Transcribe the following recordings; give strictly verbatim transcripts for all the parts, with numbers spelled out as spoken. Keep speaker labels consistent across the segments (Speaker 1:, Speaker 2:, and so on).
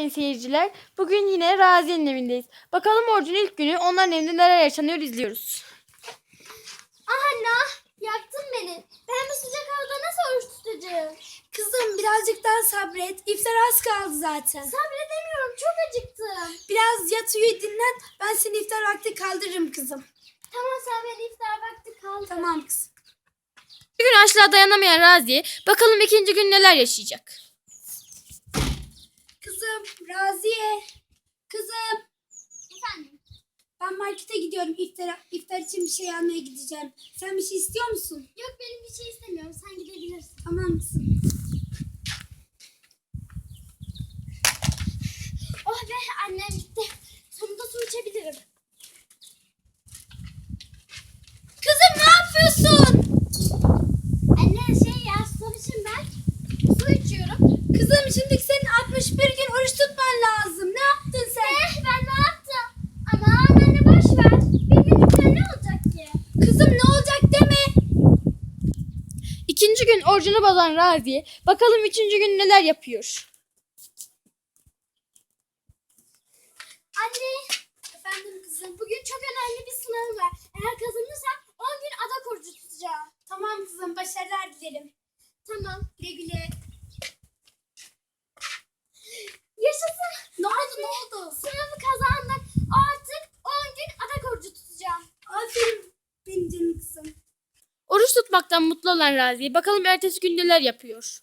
Speaker 1: sayın seyirciler. Bugün yine Raziye'nin evindeyiz. Bakalım orucun ilk günü onların evinde neler yaşanıyor izliyoruz.
Speaker 2: Anne, yaktın beni. Ben bu sıcak havada nasıl oruç tutacağım?
Speaker 3: Kızım birazcık daha sabret. İftar az kaldı zaten.
Speaker 2: Sabredemiyorum, çok acıktım.
Speaker 3: Biraz yat uyu dinlen. Ben seni iftar vakti kaldırırım kızım.
Speaker 2: Tamam, sen beni iftar vakti kaldır.
Speaker 3: Tamam kızım.
Speaker 1: Bir gün açlığa dayanamayan Raziye bakalım ikinci gün neler yaşayacak.
Speaker 3: Kızım Raziye. Kızım.
Speaker 2: Efendim?
Speaker 3: Ben markete gidiyorum. İftar, iftar için bir şey almaya gideceğim. Sen bir şey istiyor musun?
Speaker 2: Yok, benim bir şey istemiyorum. Sen gidebilirsin.
Speaker 3: Tamam mısın?
Speaker 2: Oh be, annem gitti. Sonunda su içebilirim.
Speaker 3: Kızım ne yapıyorsun?
Speaker 2: Anne şey ya, son için ben su içiyorum.
Speaker 3: Kızım şimdi senin altmış bir gün oruç tutman lazım. Ne yaptın sen?
Speaker 2: Eh, ben ne yaptım? Aman anne, boş ver. Bir günlükten ne olacak ki?
Speaker 3: Kızım ne olacak deme.
Speaker 1: İkinci gün orucunu bozan Raziye bakalım üçüncü gün neler yapıyor.
Speaker 2: Anne,
Speaker 3: Efendim kızım.
Speaker 2: bugün çok önemli bir sınavım var. Eğer kazanırsam on gün adak orucu tutacağım.
Speaker 3: Tamam kızım başarılar dilerim.
Speaker 2: Tamam.
Speaker 3: Güle güle.
Speaker 2: Yaşasın.
Speaker 3: Ne oldu ne oldu?
Speaker 2: Sınavı kazandım. Artık on gün adak orucu tutacağım.
Speaker 3: Aferin benim canım kızım.
Speaker 1: Oruç tutmaktan mutlu olan Raziye bakalım ertesi gün neler yapıyor.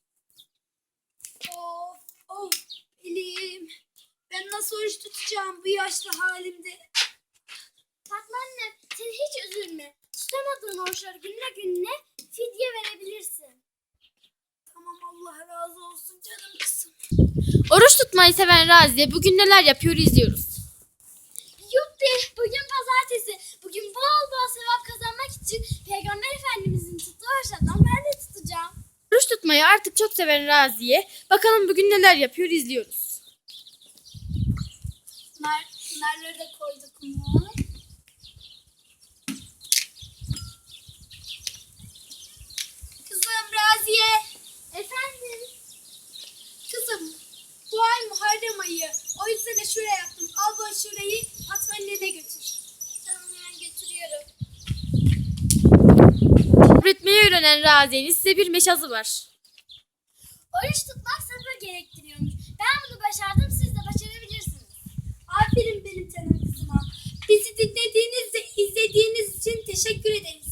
Speaker 3: Of of elim. Ben nasıl oruç tutacağım bu yaşlı halimde?
Speaker 2: Fatma anne, sen hiç üzülme. Tutamadığın oruçları gününe gününe fidye verebilirsin.
Speaker 3: Tamam Allah razı olsun canım kızım.
Speaker 1: Oruç tutmayı seven Raziye bugün neler yapıyor izliyoruz.
Speaker 2: Yuppi, bugün pazartesi. Bugün bol bol sevap kazanmak için Peygamber Efendimizin tuttuğu oruçlardan ben de tutacağım.
Speaker 1: Oruç tutmayı artık çok seven Raziye bakalım bugün neler yapıyor izliyoruz.
Speaker 3: Nar, narları da koyduk mu? Kızım Raziye.
Speaker 2: Efendim?
Speaker 3: Kızım bu ay Muharrem ayı. O yüzden de şuraya yaptım. Al bu şurayı Fatma'nın evine götür.
Speaker 2: Tamam, ben götürüyorum.
Speaker 1: Sabretmeyi öğrenen Raziye'nin size bir meşazı var.
Speaker 2: Oruç tutmak sabır gerektiriyormuş. Ben bunu başardım, siz de başarabilirsiniz.
Speaker 3: Aferin benim canım kızıma. Bizi dinlediğiniz ve izlediğiniz için teşekkür ederiz.